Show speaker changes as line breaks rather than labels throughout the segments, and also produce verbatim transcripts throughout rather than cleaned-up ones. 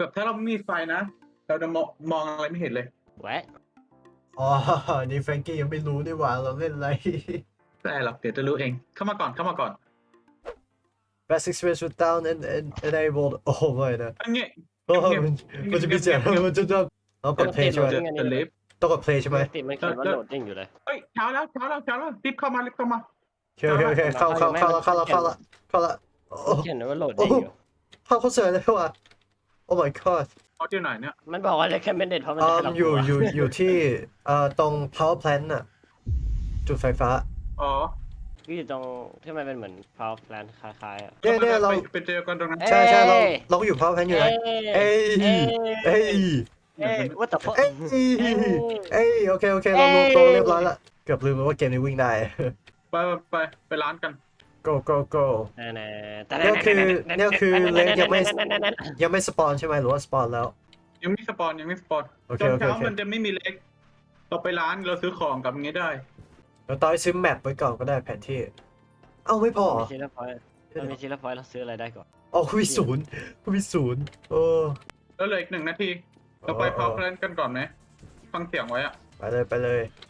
แบบถ้าเราไม่มีไฟนะเราจะมองมองอะไรไม่เห็นเลย
แหวะ
อ๋อนี่แฟรงกี้ยังไม่รู้นี่หว่าเราเล่นอะไร
ไม่ได้หรอกเดี๋ยวจะรู้เองเข้ามาก่อนเข้ามาก่อน
Best experience with down and and enabled โอ้ไม่นะ
อันนี้
โอ้มันมันจะมีเสียงมันจะจะเรากด play ใช่ไหม
จะจะลิฟต์
ต้องกด play ใช่ไหม
ติดมันเขียนว่าโหลดดิ้งอยู่เลย
เฮ้ยเช้าแล้วเช้าแล้วเช้าแล้วรีบเข้ามารีบเข้ามา
โอเคโอเคโอเคเข้าเข้าเข้าแล้วเข้าแล้วเข้าแล้วเข้าแล้วโอ้
เขียนว่าโหลดดิ้งอยู่
เข้าเข้าเสือเลยว่ะ Oh my god
เขาที่ไหนเนี่ย
มันบอกว่า recommended เพราะมัน
อื
จะ
ม
ให้เรา
อยู่
กลัว
อยู่อยู่ที่เอ่อตรง power plant น่ะจุดไฟฟ้า
อ๋อ
ที่อยู่ตรงที่มันเป็นเหมือน power plant คล้ายๆอ่ะ
เนี่ยเนี่ยเรา
ไปเจอกันตรงนั้น
ใช่ใช่เราเราก็อยู่ power plant อยู่นะเอ้ยเอ้ย
เอ้ย what the fuck
เอ้ยเอ้ยโอเคโอเคเราลงตัวเรียบร้อยละเกือบลืมไปว่าเกมนี้วิ่งได้
ไปไปไปร้านกัน
go go go
แต่
เนี่ยคือเนี่ยคือเล็กยังไม่ยังไม่สปอนใช่ไหมหรือว่าสปอนแล้ว
ยังไม่สปอนยังไม่สปอน
โอเค
ตอน
โอเค
เช้า
โอเค
มันจะไม่มีเล็กเราไปร้านเราซื้อของกับอย่างเงี้ยได้
เราต้องซื้อแมปไว้ก่อนก็ได้แผนที่ เอ้าไม่พอ
มีชิ้นละพอยเรามีชิ้นละพอยเราซื้ออะไรได้ก่อน
อ๋อคุณมีศูนย์คุณมีศูนย์โอ้
แล้วเหลืออีกหนึ่งนาทีเราไปพาวเพลนกันก่อนไหมฟังเสียงไว้อะ
ไปเลยไปเลย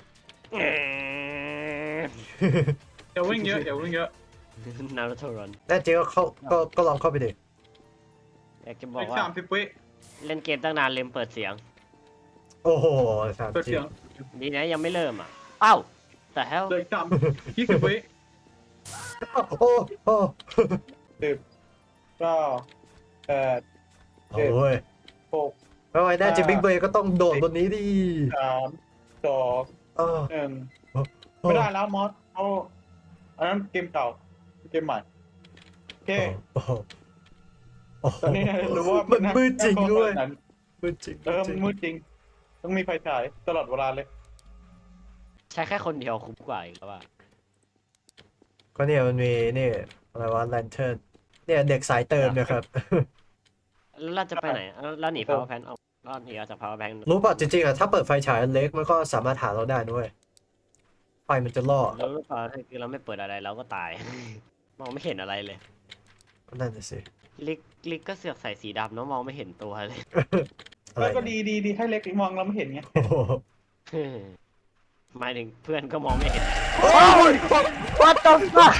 เดี๋ยววิ่งเยอะเดี๋ยววิ่งเยอะ
นารูโตรัน
แน่จริงก็เข้าก็ก็ลองเข้าไปดิ
อยากจะบอ
อี
ก
ก
ว่า
สามสิบวิ
เล่นเกมตั้งนานลืมเปิดเสียง
โอ้โหสาม
เปิด
จริ
เสีย
ง
ง
ดีนะยังไม่เริ่มอ่ะเอ้าแต่แฮล
เหลืออีกสามยี่สิบวิ
โอ้โอ้
สิบเก้าแปด
โอ้ย
หก
ไม่ไหวแน่จริงบิ๊กเบย์ก็ต้องโดดบนนี้ดิ
สามสอง
เออ
หนึ่งไม่ได้แล้วมอสเอาอันนั้นเกมเก่าเกมใหม่โอเค
โอ้โหโอ้โห
ตอนนี้รู้ว่า
มันมืดจริงด้วย
นั้น
มืดจริง
เออมันมืดจริง ต้องมีไฟฉายตลอดเวลาเลย
ใช้แค่คนเดียวคุ้มกว่าอีกแล้วว่า
ก็เนี่ยมันมีนี่อะไรวะแลนเทิร์นเนี่ยเด็กสายเติมเนี่ยครับ
แล้วเราจะไปไหนแล้วหนี power plant ออกก็หนีออกจาก power plant
รู้ป่ะจริงๆอ่ะถ้าเปิดไฟฉายอันเล็กมันก็สามารถหาเราได้ด้วยไฟมันจะล่อ
แล้วหรือเปล่าคือเราไม่เปิดอะไรเราก็ตาย มองไม่เห็นอะไรเลย
ก็นั่นน่ะสิ
ลิกลิกก็เสือกใส่สีดำเนาะมองไม่เห็นตัวเลย
อะไร
ก็
เนี่ย
ดีดีดีให้เล็กมองเราไม่เห็นไง
โอ้โห
หมายถึงเพื่อนก็มองไม่เห็น
โอ้ย
What the fuck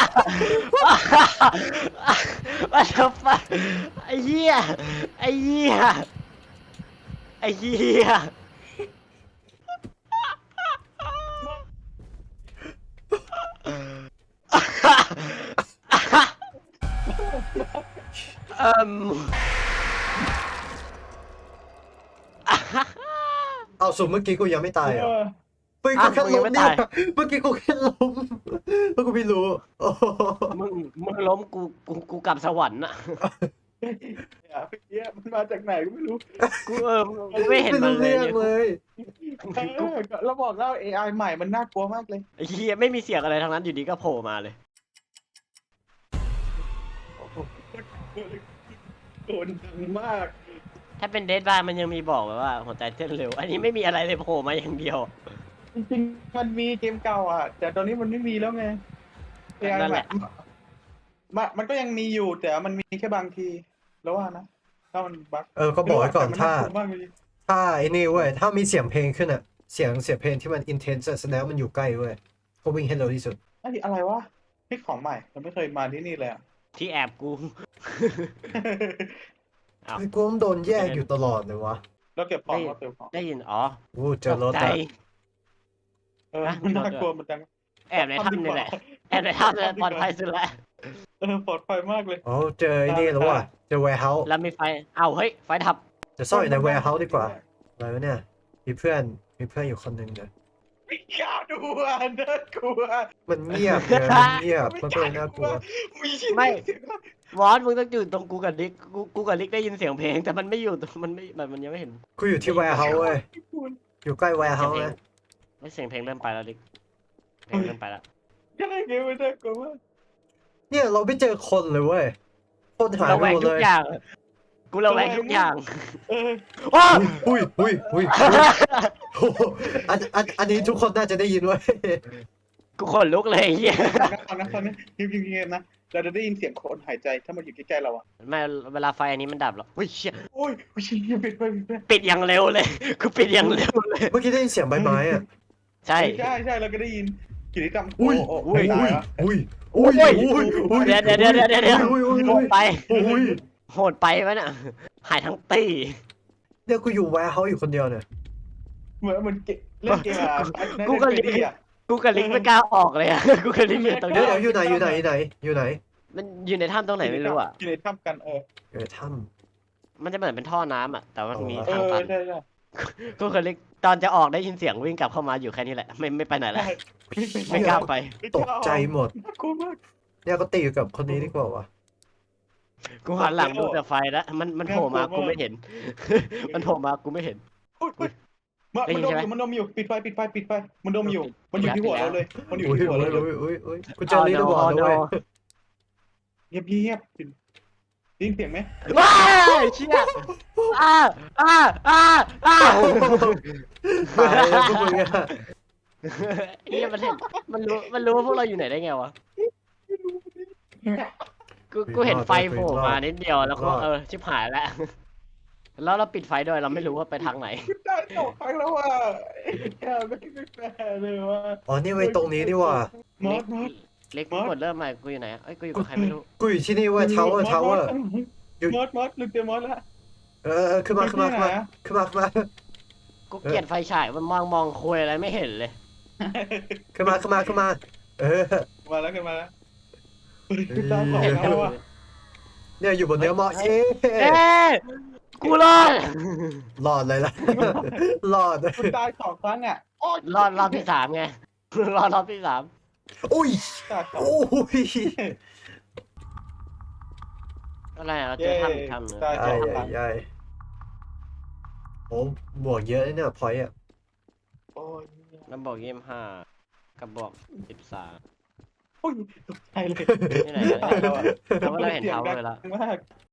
What the fuck ไอ้เหี้ยไอ้เหี้ยไอ้เหี้ยเอิ่ม
เอาสุดเมื่อกี้กูยังไม่ตายเหร
เอ
อ่ะ
อ
เมื่อกี้กูแค่ล้มเนี่ยเมื่อกี้กูแค่ล้มแล้วกูไม่รู้โอ้โห
มึงมึงล้มกูกูกูกลับสวรรค์อะ
เนี่ยเมื่อกี้มันมาจากไหนก็ไม่รู้
กูเออกูไม่เห็นมันเลย
ไรู้
เนี่ย
เรื่องเลย
เออเราบอกแล้ว เอ ไอ ใหม่มันน่ากลัวมากเลย
ไอ้เหี้ยไม่มีเสียงอะไรทั้งนั้นอยู่ดีก็โผล่มาเลย
โดนดังมาก
ถ้าเป็นเดดบายมันยังมีบอกแบบว่าหัวใจเต้นเร็ว อันนี้ไม่มีอะไรเลยโผล่มาอย่างเดียว
จริงๆมันมีเกมเก่าอ่ะ แต่ตอนนี้มันไม่มีแล้วไง เอ ไอ
นั่น
ให
แห
ม่
ละ
มันมันก็ยังมีอยู่แต่มันมีแค่บางที แล้วว่านะ ถ้ามันบั๊ก
เออก็บอกไว้ก่อน
แต่มั
ถ้า
น่กลัวมากเลย
ถ้าไอ้นี่เว้ยถ้ามีเสียงเพลงขึ้นอ่ะเสียงเสียงเพลงที่มันอินเทนส์แสดงว่ามันอยู่ใกล้เว้ยก็วิ่งให้เร็วที่สุด
ไอ้อะไรวะนี่ของใหม่เราไม่เคยมาที่นี่เลยอ่ะ
ที่แอบกู อ้าว
ไอ้กูต้องโดนแยกอยู่ตลอดเลยวะ
เราเก็บของเราเก็บของ
ได้ยินอ๋อ
อู้เจอรถ
ตกใจ
อะ
เออมันน่ากลัวเหมือนกัน
แอบในถ้ำนี่แหละ แอบในถ้ำนี่แหละปลอดภัยสุดแล้ว
เออปลอดภัยมากเลย
อ๋อเจอไอ้นี่แล้วว่ะเจอ warehouse
แล้วมีไฟ เอ้าเฮ้ย ไฟดับ
จะซ่อนอยู่ใน warehouse ดีกว่าอะไรวะเนี่ยมีเพื่อนมีเพื่อนอยู่คนหนึ่งเนี่ย
ไม่กล้าดูอ่ะน่ากลัว
มันเงียบเนี่ยมันเงียบมันก็เลยน่ากลัว
มีชิ้น
ไม่ วอสมึงต้องอยู่ตรงกูกับลิก กูกูกับลิกได้ยินเสียงเพลง แต่มันไม่อยู่ตรงมันไม่มันมันยังไม่เห็น
กูอยู่ที่ warehouse เว้ยอยู่ใกล้ warehouse นะ
ไม่เสียงเพลงเริ่มไปแล้วลิก เพลงเริ่มไปแล้ว
ยังไงเงี้ยมันน่ากลัวมาก
เนี่ยเราไม่เจอคนเลยเว้ยคนหาย
ระ
ไป
แวง
หมด
ทุ
เล
ก
ย
อย่าง กูระแวงทุกอย่าง
เออ
ว้า
อุ้ยอุ้ยอุ้ยโอ้โหอันอันอันนี้ทุกคนน่าจะได้ยินเว้ย
กูขนลุกเลยไอ้เฮีย
ตอนนั้นตอนนี้ยิงยิงยิงนะเราจะได้ยินเสียงคนหายใจถ้ามันอยู่ใกล้ๆเราอ่ะ
ไม่เวลาไฟอันนี้มันดับหรอเฮ้ยเชี่ย
โอ้ยโอ้ยเหี้ยปิดไปปิดไป
ปิดอย่างเร็วเลยกูปิดอย่างเร็วเลย
เมื่อกี้ได้ยินเสียงใบไม้อ่ะ
ใช่
ใช่ใช่เราก็ได้ยินกิจกรรม
อุ้ย
โอ้
อุ้ย
ตา
อุ้
ย
ย
แล้ว
อุ้ยอุ้ยอุ้ยอุ้ย
เดี๋ยวเดี๋ยวเดี๋ยวเดี๋ยวเดี๋ยวเดี๋ยว
อุ้ยอุ้ย
โห
อุ้
ด
ย
ไป
อุ้ย
โหดไปวะน่ะหายทั้งตี
เนี่ยกูอยู่แวร์เฮาส์อยู่คนเดียวเนี่ย
เหมือนมันเกเล่นเกมอะ
กูก็
เล่นเกมอะ
กูกับลิงไม่กล้าออกเลยอะกูกับลิงอยู่ตรง
เดี๋ย
นี้
วเดี๋ยวอยู่ไหนอยู่ไหนอยู่ไหนอยู่ไหน
มันอยู่ในถ้ำตรงไหนไม่รู้อ่ะ
อยู่ในถ้ำกันเออ
อยู่ในถ้
มันจะเหมือนเป็นท่อน้ำอ่ะแต่ว่ามันมี
เอ
ทาง
อ
ตัน
ใช่ใช่
กูกับลิงตอนจะออกได้ยินเสียงวิ่งกลับเข้ามาอยู่แค่นี้แหละไม่ไม่ไปไหนแล้วไม่กล้าไป
ำตกใจหมด
น่ากลัวมาก
เนี่ยก็ตีอยู่กับคนนี้ดีกว่าวะ
กูหันหลังดูแต่ไฟแล้วมันมันโผล่มากูไม่เห็น มันโผล่มากูไม่เห็น
อุ๊ยอุ๊ยมัน
ได้
มัน
ยิน
ดม
ใช่
อ
ไหม
ยู่มันดมอยู่ปิดไฟปิดไฟปิดไฟมันดมอยู่มันอยู่ที่หัวเราเลยมันอยู่
อุ้ย
ที่หัว
อุ้
เรา
ย
เลย
อุ้ยอุ้ยอุ้ยกูเจอลีดเดอร์บอร์ดแล้วเว้ย
เงียบเงียบได้ยินเสียงไหม
ว้ายเชี่ยอ้าอ้าอ้าอ้า
ตายแล้วพวกมึงอะ
เฮียมันเห็นมันรู้มันรู้ว่าพวกเราอยู่ไหนได้ไงวะกูกูเห็นไฟโผล่มานิดเดียวแล้วก็เออชิบหายแล้วแล้วเราปิดไฟด้วยเราไม่รู้ว่าไปทางไหน
กูได้สองครั้งแล้วว่ะแค่ไม่ไม่แฟร์เลยว่ะ
อ๋อนี่ไว้ตรงนี้นี่ว่ะ
มอสมอส
เล็กกดเริ่มใหม่กูอยู่ไหนเอ้ยกูอยู่กับใครไม่รู้
กูอยู่ที่นี่เว้ยทาวเวอร์ทาวเวอร์
มอสมอสลืมเจอมอสแล้ว
เออเออขึ้นมาขึ้นมาขึ้นมาขึ้นมาขึ้นมา
กูเกลียดไฟฉายมันมองมองคุยอะไรไม่เห็นเลย
ขึ้นมาขึ้นมาขึ้นมา เออ
มาแล้วขึ้นมาแล้วกูได้สองครั้งแล้วว่ะ
เนี่ยอยู่บนเนื้อหมอเอ๊
เอ๊ะกูรอด
รอดเลยล่ะ รอด
กูตายสองครั้งอ่ะโอ๊ย
รอดรอบที่สามไงรอดรอบที่สาม
อุ้ย
ตายสอง
โอ้ย
อะไรอะเราเจอถ้ำอีกถ้ำหนึง
ใช่
ใหญ่ใหญ่ใหญ่โอ้บวกเยอะนะเนี่ยพอยต์อ่ะ
โอ้ย
น้ำบอกยี่สิบห้ากับบอกสิบสาม
โอ้ยตกใจเลย
ที่ไหนกัน
ตายแล้วอ่ะ
เราก็เราเห็นเท้าเลยละ
มาก